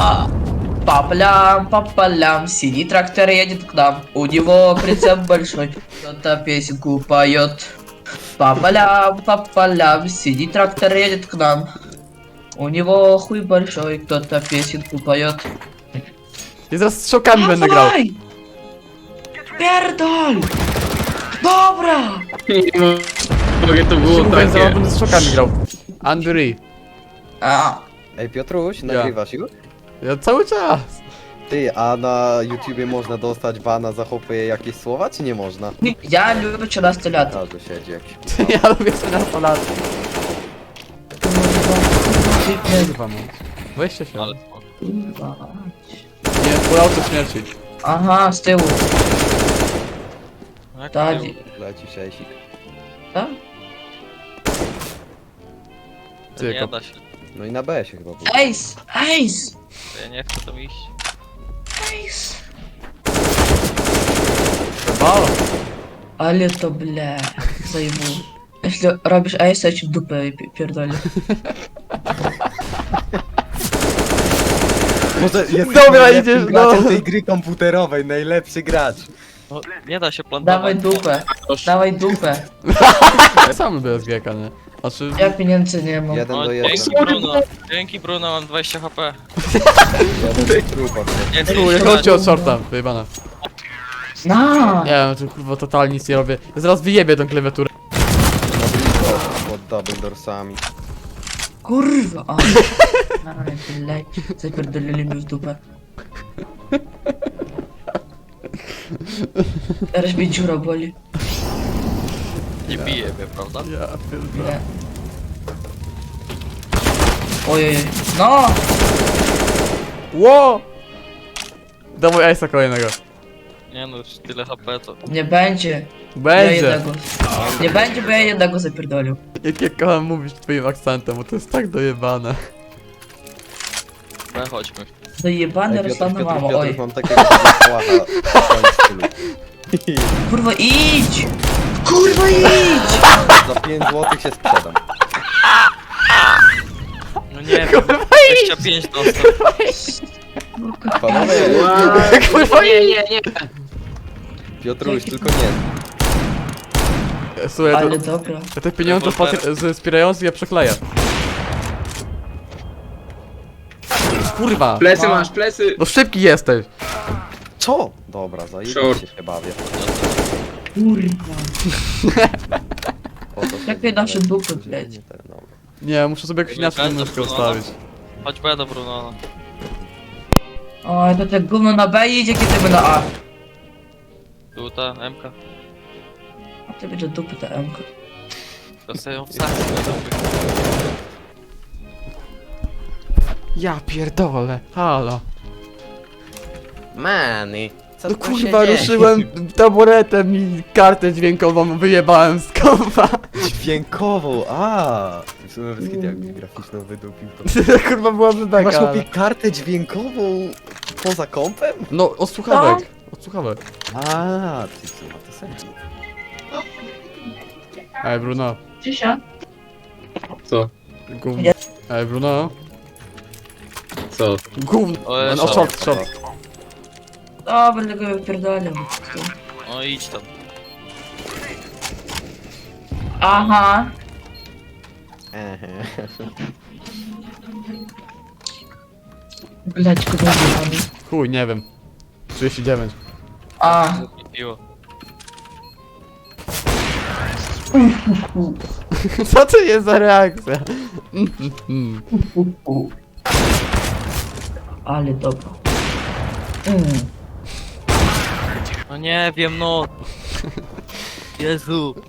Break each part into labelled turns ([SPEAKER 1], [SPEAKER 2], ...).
[SPEAKER 1] По полям, синий трактор едет к нам. У него прицеп большой, кто-то песенку поет. По полям, синий трактор едет к нам. У него хуй большой, кто-то песенку поет.
[SPEAKER 2] I zaraz z szokami będę grał.
[SPEAKER 1] Dawaj! Pierdol! Dobra!
[SPEAKER 3] Nie mogę, to było
[SPEAKER 2] Mówię, zaraz
[SPEAKER 3] takie.
[SPEAKER 2] będę z szokami grał. Andry.
[SPEAKER 1] A,
[SPEAKER 4] Ej Piotruś, nagrywasz już?
[SPEAKER 2] Ja cały czas.
[SPEAKER 4] Ty, a na YouTubie można dostać bana za hopy jakieś słowa, czy nie można?
[SPEAKER 1] я люблю 13 lat.
[SPEAKER 4] A, tu siedzi jakiś.
[SPEAKER 2] Ja lubię sobie na Polacy. Kurwa no. Weźcie się.
[SPEAKER 3] Ale
[SPEAKER 1] Kurwa.
[SPEAKER 2] Nie, Polacy śmierci.
[SPEAKER 1] Aha, z tyłu.
[SPEAKER 3] jak
[SPEAKER 1] Tak.
[SPEAKER 3] tył?
[SPEAKER 4] Leci szejsik.
[SPEAKER 1] Tak?
[SPEAKER 3] To nie
[SPEAKER 2] Tylko.
[SPEAKER 3] da się.
[SPEAKER 4] No i na B się chyba było.
[SPEAKER 1] Ace! Ace!
[SPEAKER 3] To ja nie chcę tam iść.
[SPEAKER 1] Ace!
[SPEAKER 2] Balo.
[SPEAKER 1] Ale to bля, zajmu. Jeśli robisz ace, ja ci w dupę pierdolę.
[SPEAKER 4] Może jest
[SPEAKER 2] Dobra,
[SPEAKER 4] najlepszym
[SPEAKER 2] idziesz,
[SPEAKER 4] graczem
[SPEAKER 2] no.
[SPEAKER 4] tej gry komputerowej, najlepszy gracz.
[SPEAKER 3] No, nie da się plantować.
[SPEAKER 1] Dawaj dupę, dawaj dupę.
[SPEAKER 2] Ja sam lubię SGK, nie? Znaczy...
[SPEAKER 1] Ja pieniędzy nie mam.
[SPEAKER 4] Jeden
[SPEAKER 3] No,
[SPEAKER 4] do
[SPEAKER 3] dzięki
[SPEAKER 4] jednego.
[SPEAKER 3] Bruno. Dzięki Bruno, mam 20 HP.
[SPEAKER 4] Jeden do trupa.
[SPEAKER 3] Nie chcę
[SPEAKER 2] Chuj,
[SPEAKER 3] iść
[SPEAKER 2] chodźcie od shorta, wyjebane.
[SPEAKER 1] Na!
[SPEAKER 2] Nie wiem, tu kurwa totalnie nic nie robię. Ja zaraz wyjebię tą klawiaturę.
[SPEAKER 4] Na blisko, pod double doorsami.
[SPEAKER 1] Kurwa! O. Ale blej, zapierdolili mi w dupę. Teraz mnie dziura boli.
[SPEAKER 3] Nie bije mnie, prawda?
[SPEAKER 2] Ja pierdolę.
[SPEAKER 1] Nie. Ojej. No!
[SPEAKER 2] Ło! Dawaj Ace'a kolejnego.
[SPEAKER 3] Nie no, już tyle HP to.
[SPEAKER 1] Nie będzie. Ja
[SPEAKER 2] Będzie.
[SPEAKER 1] jednego. Nie będzie, bo ja jednego zapierdolił.
[SPEAKER 2] Jak ja kocham mówić twoim akcentem, bo to jest tak dojebane.
[SPEAKER 3] No chodźmy.
[SPEAKER 1] Dojebany Ruslana mama, oj.
[SPEAKER 4] Mam takiego słacha w swoim stylu.
[SPEAKER 1] Kurwa idź! Kurwa idź!
[SPEAKER 4] Za 5 zł się sprzedam.
[SPEAKER 3] No nie wiem, 25 dostał.
[SPEAKER 4] Panowie,
[SPEAKER 2] Kurwa
[SPEAKER 3] nie.
[SPEAKER 4] Piotruś, tylko nie.
[SPEAKER 2] Słuchaj,
[SPEAKER 1] Ale
[SPEAKER 2] to,
[SPEAKER 1] dobra.
[SPEAKER 2] ja te pieniądze wspierające ja przekleję. Kurwa!
[SPEAKER 3] Plecy masz, plecy.
[SPEAKER 2] No szybki jesteś!
[SPEAKER 4] Co? Dobra, zajebiście
[SPEAKER 3] Short.
[SPEAKER 4] się bawię.
[SPEAKER 1] Kurwa.
[SPEAKER 4] Po to sobie
[SPEAKER 1] Jakie nasze
[SPEAKER 4] wybrać.
[SPEAKER 1] dupy, bleć.
[SPEAKER 4] Nie ten, dobra.
[SPEAKER 2] Nie, muszę sobie jakoś inaczej tę myszkę ustawić.
[SPEAKER 3] Chodź B do Bruno.
[SPEAKER 1] Oj, to tak gówno na B idzie, kiedy my na A.
[SPEAKER 3] Tu ta MK.
[SPEAKER 1] A ty będzie dupy ta M.
[SPEAKER 3] To sobie ją wsadzić.
[SPEAKER 2] Ja pierdolę, halo.
[SPEAKER 4] Many, co
[SPEAKER 2] No
[SPEAKER 4] tu
[SPEAKER 2] kurwa,
[SPEAKER 4] się dzieje?
[SPEAKER 2] ruszyłem taburetem i kartę dźwiękową wyjebałem z kompa.
[SPEAKER 4] Dźwiękową, a. W sumie wszystkie jakbyś graficzną wydupił to.
[SPEAKER 2] Kurwa byłaby
[SPEAKER 4] Masz
[SPEAKER 2] beka, ale...
[SPEAKER 4] chłopie kartę dźwiękową poza kompem?
[SPEAKER 2] No, od słuchawek. Od słuchawek.
[SPEAKER 4] A, ty co, ma to sens.
[SPEAKER 2] Ej, Bruno.
[SPEAKER 1] Cisza.
[SPEAKER 3] Co?
[SPEAKER 2] Gówno. Ej, Bruno.
[SPEAKER 3] Co?
[SPEAKER 2] Gówno.
[SPEAKER 3] O, jest
[SPEAKER 2] No,
[SPEAKER 3] short.
[SPEAKER 2] short.
[SPEAKER 1] O, będę go wypierdolił.
[SPEAKER 3] No idź tam.
[SPEAKER 1] Aha.
[SPEAKER 4] Ehe.
[SPEAKER 1] Bleć, go wyjebany.
[SPEAKER 2] Chuj, nie wiem. 39.
[SPEAKER 1] A.
[SPEAKER 3] I piło.
[SPEAKER 2] Co to jest za reakcja?
[SPEAKER 1] Ale dobra.
[SPEAKER 3] No nie wiem, no. Jezu.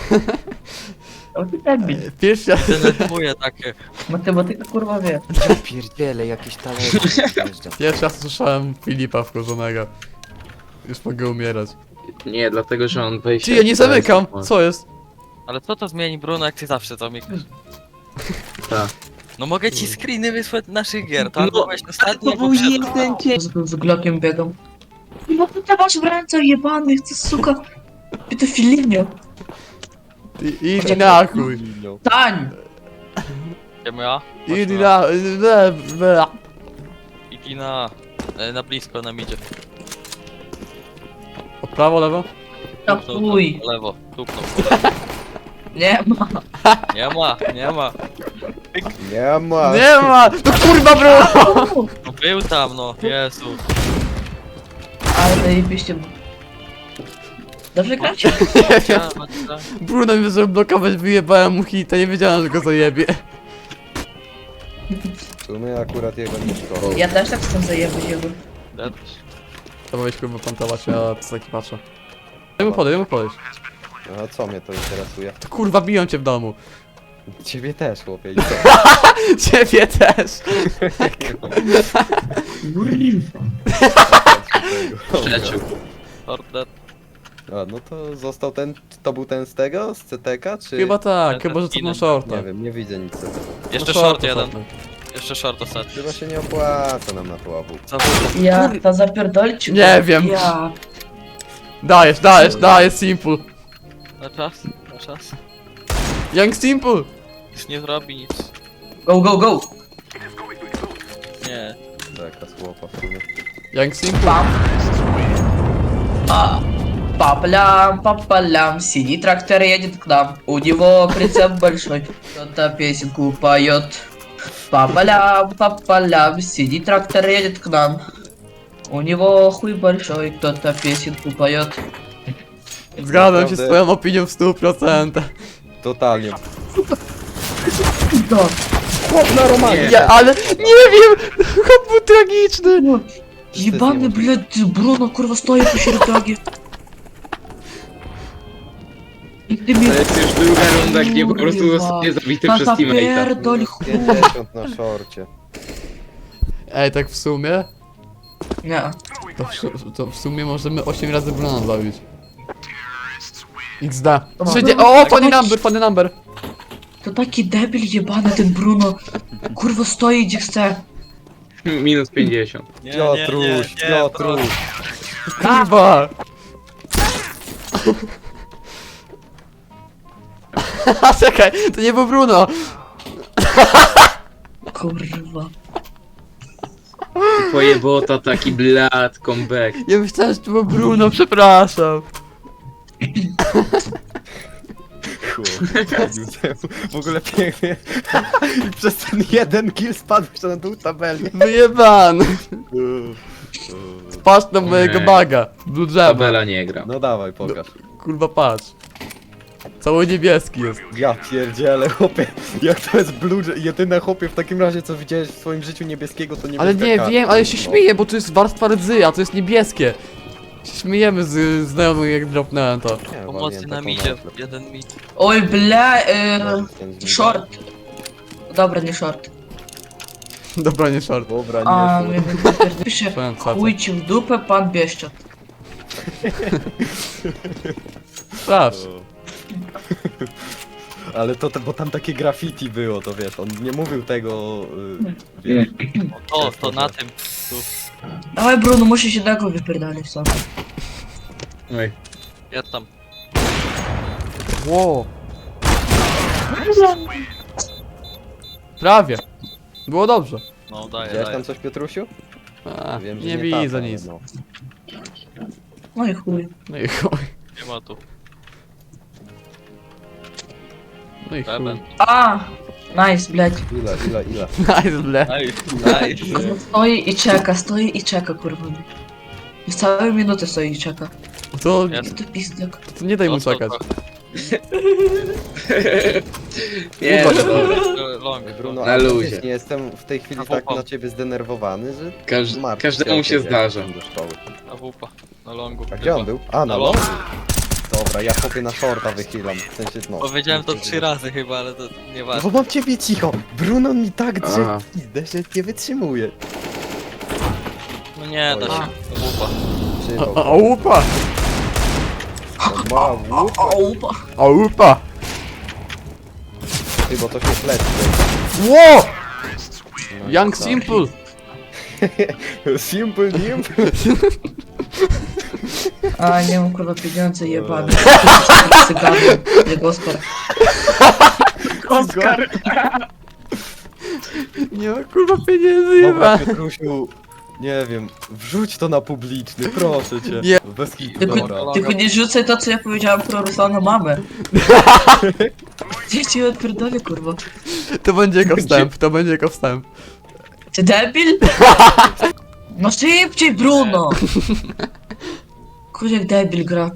[SPEAKER 1] O ty debil.
[SPEAKER 2] Pierwszy raz.
[SPEAKER 3] Denerwuje takie.
[SPEAKER 1] Matematyka kurwa wie.
[SPEAKER 4] Pierdziele, jakiś talent.
[SPEAKER 2] Pierwszy raz słyszałem Filipa wkurzonego. Już mogę umierać.
[SPEAKER 5] Nie, dlatego że on wejdzie.
[SPEAKER 2] Ty, ja nie zamykam! Co jest?
[SPEAKER 3] Ale co to zmieni Bruno, jak ty zawsze zamykasz?
[SPEAKER 5] Tak.
[SPEAKER 3] No mogę ci screeny wysłać naszych gier, to
[SPEAKER 5] No,
[SPEAKER 3] albo weź ostatni,
[SPEAKER 5] To był jeden dzień.
[SPEAKER 1] Z Glockiem biegam. I bo ty masz w ręce jebanych, ty suka. Pedofilinio.
[SPEAKER 2] Ty, idź na chuj.
[SPEAKER 1] Tań!
[SPEAKER 3] Idziemy A?
[SPEAKER 2] Idź na...
[SPEAKER 3] Smoki na blisko nam idzie.
[SPEAKER 2] O prawo, lewo?
[SPEAKER 1] Kapuj.
[SPEAKER 3] Po lewo, tupnął.
[SPEAKER 1] Nie ma.
[SPEAKER 3] Nie ma, nie ma.
[SPEAKER 4] Nie ma.
[SPEAKER 2] Nie ma! To kurwa Bruno!
[SPEAKER 3] No był tam, no. Jezu.
[SPEAKER 1] Ale zajebiście. Dobrze gracie?
[SPEAKER 3] Ja,
[SPEAKER 2] Bruno mi zaczął blokować, wyjebałem mu hita, nie wiedziałem, że go zajebie.
[SPEAKER 4] W sumie akurat jego nie szkoda.
[SPEAKER 1] Ja też tak chcę zajebać jego.
[SPEAKER 2] To powiedz kurwa plantować, ja co taki patrzę. Daj mu podejść.
[SPEAKER 4] A co mnie to interesuje?
[SPEAKER 2] To kurwa biją cię w domu.
[SPEAKER 4] Ciebie też, chłopie. I co?
[SPEAKER 2] Ciebie też!
[SPEAKER 5] Przeciął.
[SPEAKER 3] Ordet.
[SPEAKER 4] A, no to został ten, to był ten z tego? Z CTK, czy?
[SPEAKER 2] Chyba tak,
[SPEAKER 3] ten
[SPEAKER 2] chyba że co na
[SPEAKER 3] inny.
[SPEAKER 2] shorta.
[SPEAKER 4] Nie wiem, nie widzę nic.
[SPEAKER 3] Jeszcze
[SPEAKER 2] No
[SPEAKER 3] short jeden.
[SPEAKER 2] ostatni.
[SPEAKER 3] Jeszcze short ostatni.
[SPEAKER 4] Chyba się nie opłaca nam na to AW.
[SPEAKER 3] Zawód.
[SPEAKER 1] Ja to zapierdolić?
[SPEAKER 2] Nie wiem.
[SPEAKER 1] Ja.
[SPEAKER 2] Dajesz, simple.
[SPEAKER 3] Na czas, na czas.
[SPEAKER 2] Young simple!
[SPEAKER 3] Nic nie zrobi, nic.
[SPEAKER 1] Go, go, go.
[SPEAKER 3] Nie.
[SPEAKER 4] Taka słopa w sumie.
[SPEAKER 2] Young simple.
[SPEAKER 1] Пам. Папалям, синий трактор едет к нам. У него прицеп большой, кто-то песенку поет. Папалям, синий трактор едет к нам. У него хуй большой, кто-то песенку поет.
[SPEAKER 2] Zgadzam się z
[SPEAKER 4] Naprawdę-
[SPEAKER 2] twoją opinią w 100%.
[SPEAKER 4] Totalnie.
[SPEAKER 1] Да.
[SPEAKER 4] Chłop na Romanie!
[SPEAKER 2] Ja, ale nie wiem! Chłop był tragiczny!
[SPEAKER 1] Ебаный, блядь, Бруно, курва, стоит по чердаге. I ty
[SPEAKER 5] To
[SPEAKER 1] mnie
[SPEAKER 5] jest już druga runda, gdzie po prostu
[SPEAKER 1] Kurwa.
[SPEAKER 5] zostanie zabity
[SPEAKER 1] na
[SPEAKER 5] przez teammate'a.
[SPEAKER 1] zapierdol chuj.
[SPEAKER 4] 50 na szorcie.
[SPEAKER 2] Ej, tak w sumie?
[SPEAKER 1] Nie.
[SPEAKER 2] To w sumie możemy 8 razy Bruna zabić. XD.
[SPEAKER 1] No.
[SPEAKER 2] O, funny number!
[SPEAKER 1] To taki debil jebany ten Bruno. Kurwa stoi gdzie chce.
[SPEAKER 5] Minus 50.
[SPEAKER 3] Nie,
[SPEAKER 4] Piotruś, Piotruś.
[SPEAKER 2] Kurwa! Czekaj, to nie był Bruno!
[SPEAKER 1] Kurwa.
[SPEAKER 5] Twoje bota taki blad, comeback.
[SPEAKER 2] Ja myślałem, że to był Bruno, przepraszam.
[SPEAKER 4] W ogóle pięknie. I przez ten jeden kill spadł jeszcze na dół tabeli.
[SPEAKER 2] Wyjebany! Patrz na mojego
[SPEAKER 5] Nie.
[SPEAKER 2] baga. Blue drzewa.
[SPEAKER 5] Tabela nie gra.
[SPEAKER 4] No dawaj, pokaż.
[SPEAKER 2] Kurwa, patrz. Cały niebieski jest.
[SPEAKER 4] Ja pierdzielę, chłopie. Jak to jest blue, jedyne chłopie w takim razie co widziałeś w swoim życiu niebieskiego to niebieska
[SPEAKER 2] Ale nie
[SPEAKER 4] karta.
[SPEAKER 2] wiem, ale się
[SPEAKER 4] No.
[SPEAKER 2] śmieję, bo to jest warstwa rdzy, a to jest niebieskie. Się śmiejemy z znajomych jak dropnąłem to.
[SPEAKER 4] Nie,
[SPEAKER 3] Pomocy
[SPEAKER 4] waliłem
[SPEAKER 3] nam
[SPEAKER 4] taką
[SPEAKER 3] idzie.
[SPEAKER 4] nazwę.
[SPEAKER 3] Jeden mit.
[SPEAKER 1] Oj bля,
[SPEAKER 4] No, ten z
[SPEAKER 1] short. Dobra, nie short.
[SPEAKER 2] Dobra, nie short.
[SPEAKER 4] Dobra,
[SPEAKER 1] A,
[SPEAKER 4] nie
[SPEAKER 1] mnie wypierdol- Pisze,
[SPEAKER 2] Powiem co.
[SPEAKER 1] chuj ci w dupę, pan Bieszczot.
[SPEAKER 2] Sprawdź.
[SPEAKER 4] Ale to, bo tam takie graffiti było, to wiesz, on nie mówił tego, wiesz.
[SPEAKER 3] To na tym. Tu.
[SPEAKER 1] Dawaj Bruno, musisz jednego wypierdolić sam.
[SPEAKER 5] Oj.
[SPEAKER 3] Ja tam.
[SPEAKER 2] Wow. Prawie. Było dobrze.
[SPEAKER 3] No daję,
[SPEAKER 4] Widziałeś
[SPEAKER 3] daję.
[SPEAKER 4] tam coś, Piotrusiu?
[SPEAKER 2] A,
[SPEAKER 4] Wiem, że
[SPEAKER 2] nie
[SPEAKER 4] tata,
[SPEAKER 2] widzę
[SPEAKER 4] ale
[SPEAKER 2] nic.
[SPEAKER 4] no.
[SPEAKER 1] No i chuj.
[SPEAKER 2] No i chuj.
[SPEAKER 3] Nie ma tu.
[SPEAKER 2] No i chuj.
[SPEAKER 3] Beben.
[SPEAKER 1] A, nice, blядь.
[SPEAKER 4] Ile?
[SPEAKER 2] Nice, ble.
[SPEAKER 3] Nice.
[SPEAKER 1] Stoi i czeka, kurwa. Już całe minuty stoi i czeka.
[SPEAKER 2] To,
[SPEAKER 3] Jest.
[SPEAKER 1] To pizdek.
[SPEAKER 2] to nie daj mu
[SPEAKER 3] Dostał
[SPEAKER 2] czekać.
[SPEAKER 5] Nie,
[SPEAKER 2] Kurwa,
[SPEAKER 5] no,
[SPEAKER 3] Long.
[SPEAKER 4] Bruno,
[SPEAKER 5] Na
[SPEAKER 4] ale
[SPEAKER 5] luzie.
[SPEAKER 4] wiesz, nie jestem w tej chwili
[SPEAKER 3] Na
[SPEAKER 4] tak
[SPEAKER 3] wupa.
[SPEAKER 4] na ciebie zdenerwowany, że
[SPEAKER 5] każdemu się zdarza.
[SPEAKER 4] Do szkoły.
[SPEAKER 3] Na wupa. Na longu.
[SPEAKER 4] A gdzie on był? A, na
[SPEAKER 3] Na
[SPEAKER 4] longu.
[SPEAKER 3] longu.
[SPEAKER 4] Dobra, ja chłopie na shorta wychylam, w sensie, no.
[SPEAKER 3] Powiedziałem to 3 razy chyba, ale to
[SPEAKER 4] No
[SPEAKER 3] nieważne.
[SPEAKER 4] bo mam ciebie cicho! Bruno mi tak drze
[SPEAKER 5] Aha.
[SPEAKER 4] w pizdę, że nie wytrzymuje.
[SPEAKER 3] No nie, da się. To wupa.
[SPEAKER 4] Trzymał.
[SPEAKER 2] Aupa!
[SPEAKER 4] Ma łup,
[SPEAKER 1] Opa.
[SPEAKER 2] Aupa!
[SPEAKER 4] ty, bo to się śledzi.
[SPEAKER 2] Wow!
[SPEAKER 4] No i
[SPEAKER 2] Young
[SPEAKER 4] co?
[SPEAKER 2] Simple!
[SPEAKER 4] Simple, simple.
[SPEAKER 1] A, nie mam kurwa pieniądze jebane. Cygany, jak Oskar.
[SPEAKER 2] Oskar! Nie ma kurwa pieniędzy,
[SPEAKER 4] Dobra,
[SPEAKER 2] jeba!
[SPEAKER 4] Piotrusiu, Nie wiem, wrzuć to na publiczny, proszę cię.
[SPEAKER 2] Nie.
[SPEAKER 4] Bez hitu,
[SPEAKER 1] Tylko,
[SPEAKER 4] dobra.
[SPEAKER 1] tylko nie rzucaj to, co ja powiedziałem pro Ruslana mamę. Gdzie cię odpierdolę, kurwa?
[SPEAKER 2] To będzie jako wstęp, to będzie jako wstęp.
[SPEAKER 1] Ty debil? No szybciej, Bruno! Kurde, jak debil gra.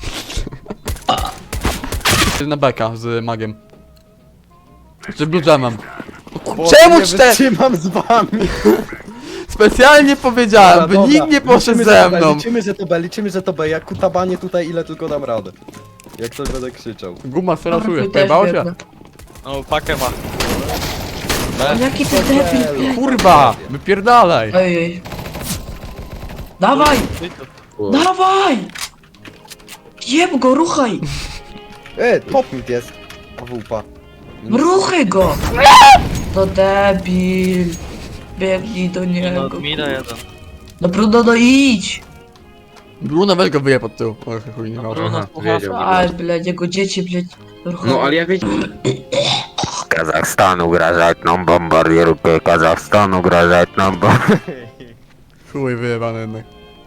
[SPEAKER 2] Na beka z magiem. Czy blue jamem.
[SPEAKER 4] Bo
[SPEAKER 2] Czemu
[SPEAKER 4] nie
[SPEAKER 2] cztery?
[SPEAKER 4] wytrzymam z wami.
[SPEAKER 2] Specjalnie powiedziałem, by
[SPEAKER 4] Dobra,
[SPEAKER 2] nikt nie poszedł
[SPEAKER 4] liczymy,
[SPEAKER 2] ze
[SPEAKER 4] że to B,
[SPEAKER 2] mną.
[SPEAKER 4] liczymy, że to B. Jak kutabanie tutaj, ile tylko dam radę. Jak coś będę krzyczał.
[SPEAKER 2] Guma sferasuje,
[SPEAKER 1] chuj, też
[SPEAKER 2] pojebało się?
[SPEAKER 1] biegnę.
[SPEAKER 3] No, pakę ma.
[SPEAKER 1] O, jaki ty debil, blядь.
[SPEAKER 2] Kurwa, wypierdalaj.
[SPEAKER 1] Ojej. Dawaj! Dawaj! Jeb go, ruchaj!
[SPEAKER 4] Top mid jest. AWP.
[SPEAKER 1] Ruchaj go! To debil. Biegnij do
[SPEAKER 3] No,
[SPEAKER 1] niego.
[SPEAKER 3] mida jeden.
[SPEAKER 1] No Bruno, no idź!
[SPEAKER 2] Bruno weź go wyje pod tył. Oj, chuj, nie ma.
[SPEAKER 3] Bruno,
[SPEAKER 5] wiedział.
[SPEAKER 1] Aj, blядь, jego dzieci, blядь. Ruchaj.
[SPEAKER 5] No ale ja wiedziałem.
[SPEAKER 6] Казахстан угрожает нам бомбардировкой. Казахстан угрожает нам бомбардировкой.
[SPEAKER 2] Chuj, wyjebany jednak.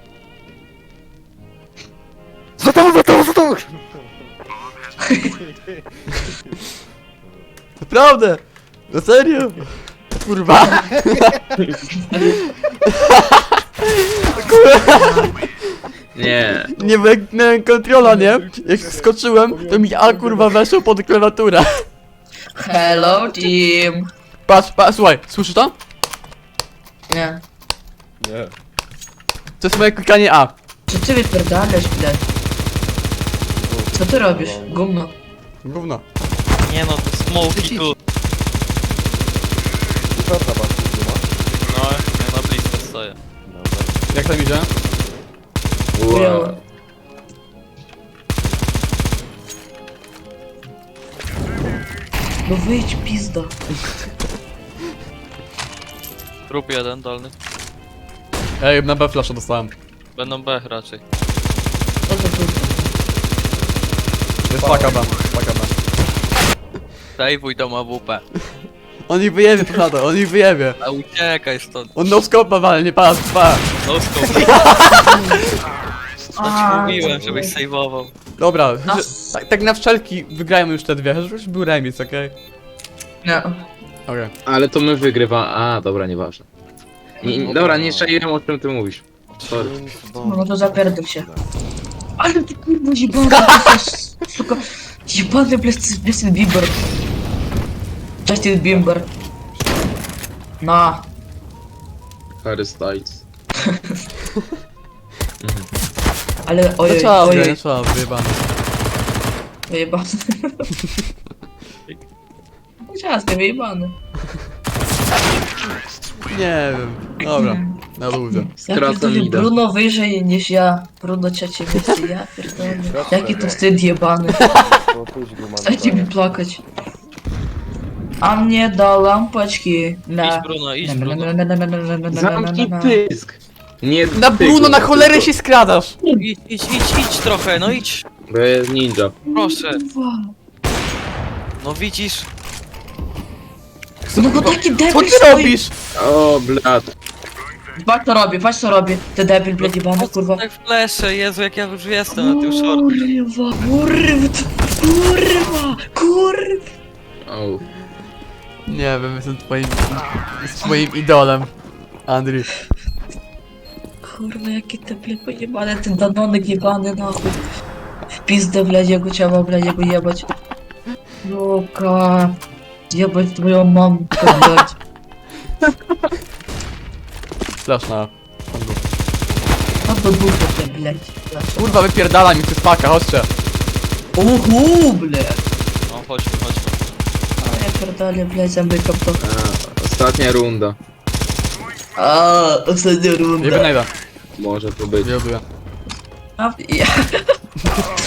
[SPEAKER 4] Za to!
[SPEAKER 2] Naprawdę! Na serio? Kurwa!
[SPEAKER 5] Nie.
[SPEAKER 2] Nie, bo jak miałem kontrola, nie? Jak skoczyłem, to mi A kurwa weszło pod klawiaturę.
[SPEAKER 1] Hello, team.
[SPEAKER 2] Patrz, słuchaj, słyszysz to?
[SPEAKER 1] Nie.
[SPEAKER 4] Nie.
[SPEAKER 2] To jest moje klikanie A.
[SPEAKER 1] Co ty wypierdalasz, blядь? Co ty robisz? Gumno.
[SPEAKER 2] Gówno.
[SPEAKER 3] Nie no, to smoki tu.
[SPEAKER 4] Czwarta patrz,
[SPEAKER 3] No, ja na blisko stoję.
[SPEAKER 2] Jak tam idzie?
[SPEAKER 1] Chujowo. No wyjdź, pizdo.
[SPEAKER 3] Trup jeden dolny.
[SPEAKER 2] Ej, na B flasha dostałem.
[SPEAKER 3] Będą B raczej.
[SPEAKER 1] Co to tu?
[SPEAKER 2] Jest paka B, paka B.
[SPEAKER 3] Daj wuj do AWP.
[SPEAKER 2] On ich wyjebie, prawda, on ich wyjebie.
[SPEAKER 3] A uciekaj stąd.
[SPEAKER 2] On no scope ale nie patrz, pa.
[SPEAKER 3] No scope.
[SPEAKER 1] A,
[SPEAKER 3] Mówiłem, żebyś saveował.
[SPEAKER 2] Dobra,
[SPEAKER 1] No.
[SPEAKER 2] tak na wszelki wygrajmy już te dwie, żebyś był remis, okej?
[SPEAKER 1] Nie.
[SPEAKER 2] Okej.
[SPEAKER 5] Ale to my wygrywa. A, dobra, nieważne. Dobra, nie czaiłem o czym ty mówisz. Sorry.
[SPEAKER 1] No to zapierdol się. Ale ty kurwa jebany, suka. Jebany Justin Bieber. Justin Bieber. Na.
[SPEAKER 5] Harry Styles.
[SPEAKER 1] Ale
[SPEAKER 2] No
[SPEAKER 1] ojej,
[SPEAKER 2] trzeba,
[SPEAKER 1] ojej,
[SPEAKER 2] trzeba, wyjebane.
[SPEAKER 1] wyjebany. Ciasny, wyjebany.
[SPEAKER 2] Nie wiem, dobra, na ludzie.
[SPEAKER 1] Ja
[SPEAKER 5] Skracam
[SPEAKER 1] pierdolę,
[SPEAKER 5] mida.
[SPEAKER 1] Bruno wyżej niż ja. Bruno trzecie miejsce, ja pierdolę. Jaki to wstyd jebany. Dajcie mi plakać. A mnie do lampeczki
[SPEAKER 3] Idź
[SPEAKER 1] na...
[SPEAKER 3] Bruno, idź Bruno.
[SPEAKER 5] Zamknij pysk! Nie
[SPEAKER 2] Na
[SPEAKER 5] ty,
[SPEAKER 2] Bruno,
[SPEAKER 5] kurwa,
[SPEAKER 2] na cholerę
[SPEAKER 5] tylko.
[SPEAKER 2] się skradasz!
[SPEAKER 3] Idź trochę, no idź.
[SPEAKER 5] Bo jest ninja.
[SPEAKER 3] Proszę. No widzisz?
[SPEAKER 1] No bo taki
[SPEAKER 2] Co
[SPEAKER 1] debil
[SPEAKER 2] ty
[SPEAKER 1] stoi.
[SPEAKER 2] robisz?
[SPEAKER 5] O, blat.
[SPEAKER 1] Patrz co robię, ty debil, blady jebany, kurwa.
[SPEAKER 3] Tak flesze, Jezu, jak ja już jestem na tym short.
[SPEAKER 1] Kurwa.
[SPEAKER 5] O.
[SPEAKER 2] Nie wiem, jestem twoim idolem. Andrzej.
[SPEAKER 1] Kurwa, jaki debil pojebany, ten danonek jebany, nachuj. W pizdę wlezie go trzeba, wlezie go jebać. Luka. Jebać twoją mamę, blać.
[SPEAKER 2] Flash na...
[SPEAKER 1] A do dupy te, blać.
[SPEAKER 2] Kurwa, wypierdala mi przez paka, chodźcie.
[SPEAKER 1] Blać.
[SPEAKER 3] No chodźmy.
[SPEAKER 1] A ja pierdolę, blać, zamykam to.
[SPEAKER 5] A, ostatnia runda.
[SPEAKER 1] Ostatnia
[SPEAKER 2] Nie
[SPEAKER 1] runda.
[SPEAKER 2] wynajdę.
[SPEAKER 5] Może to być.
[SPEAKER 2] Nie lubię.
[SPEAKER 1] A, ja...